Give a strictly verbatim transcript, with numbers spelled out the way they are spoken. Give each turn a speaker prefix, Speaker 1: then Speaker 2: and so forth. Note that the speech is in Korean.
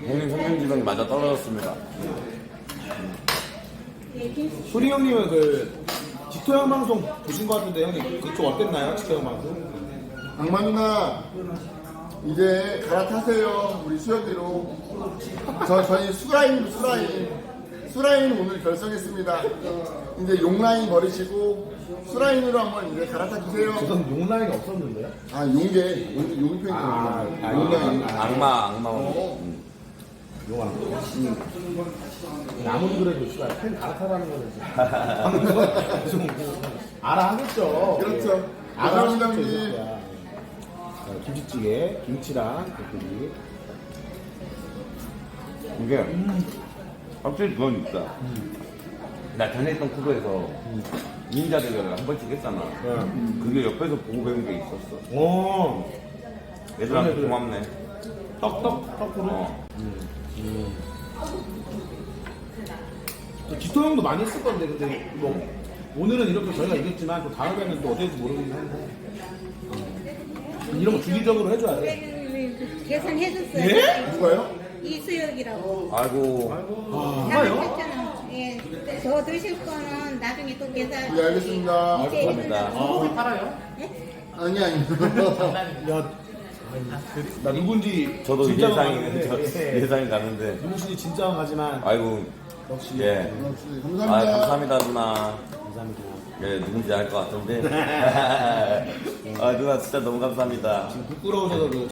Speaker 1: 형님 성균지병이 맞아 떨어졌습니다.
Speaker 2: 소리 형님은 그 딕토 형 방송 보신 것 같은데 형님 그쪽 어땠나요? 딕토 형 방송?
Speaker 3: 악마 누나 이제 갈아타세요. 우리 수연이로. 저 저희 수라인 수라인 수라인 오늘 결성했습니다. 이제 용라인 버리시고 수라인으로 한번 이제 갈아타 주세요.
Speaker 2: 우선 용라인이 없었는데요?
Speaker 3: 아 용계 용 용이 표현이
Speaker 2: 아, 아,
Speaker 3: 용라인.
Speaker 1: 악마 악마.
Speaker 3: 어.
Speaker 1: 음.
Speaker 2: 용한 거. 아무리 그래도 씨발 팬 갈아타라는 거는 좀 알아 하겠죠.
Speaker 3: 그렇죠.
Speaker 2: 알아
Speaker 3: 감사합니다,
Speaker 2: 하겠죠.
Speaker 3: 형님.
Speaker 2: 이 새끼야. 어, 김치찌개, 김치랑 닭고기.
Speaker 1: 이게 확실히 그건 있다. 나 전에 했던 쿠브에서 닌자 대결을 한 번씩 했잖아. 그게 옆에서 보고 배운 게 있었어.
Speaker 2: 오,
Speaker 1: 얘들한테
Speaker 2: 그래, 그래.
Speaker 1: 고맙네.
Speaker 2: 떡떡 떡으로.
Speaker 1: 어.
Speaker 2: 기토 형도 많이 했을 건데 근데 뭐 오늘은 이렇게 저희가 이겼지만 또 다음에는 또 어떨지 모르긴 한데 음, 이런 거 주기적으로 해줘야 돼.
Speaker 4: 계산해줬어요.
Speaker 2: 예?
Speaker 3: 누가요?
Speaker 4: 이수혁이라고.
Speaker 1: 아이고.
Speaker 2: 아,
Speaker 4: 계산했잖아. 예. 더 드실 거는 나중에 또 계산.
Speaker 3: 네 알겠습니다.
Speaker 4: 이제
Speaker 1: 감사합니다.
Speaker 4: 끝나고.
Speaker 2: 팔아요?
Speaker 3: 아니 아니.
Speaker 2: 야, 나 누군지
Speaker 1: 저도
Speaker 2: 진짜
Speaker 1: 예상이
Speaker 2: 가는데,
Speaker 1: 저,
Speaker 2: 예.
Speaker 1: 예상이 가는데.
Speaker 2: 누구신지 진짜 가지만
Speaker 1: 아이고.
Speaker 2: 역시
Speaker 1: 예.
Speaker 3: 감사합니다.
Speaker 1: 아 감사합니다 누나.
Speaker 2: 감사합니다.
Speaker 1: 예 누군지 알 것 같은데. 아 누나 진짜 너무 감사합니다.
Speaker 2: 부끄러우셔서 그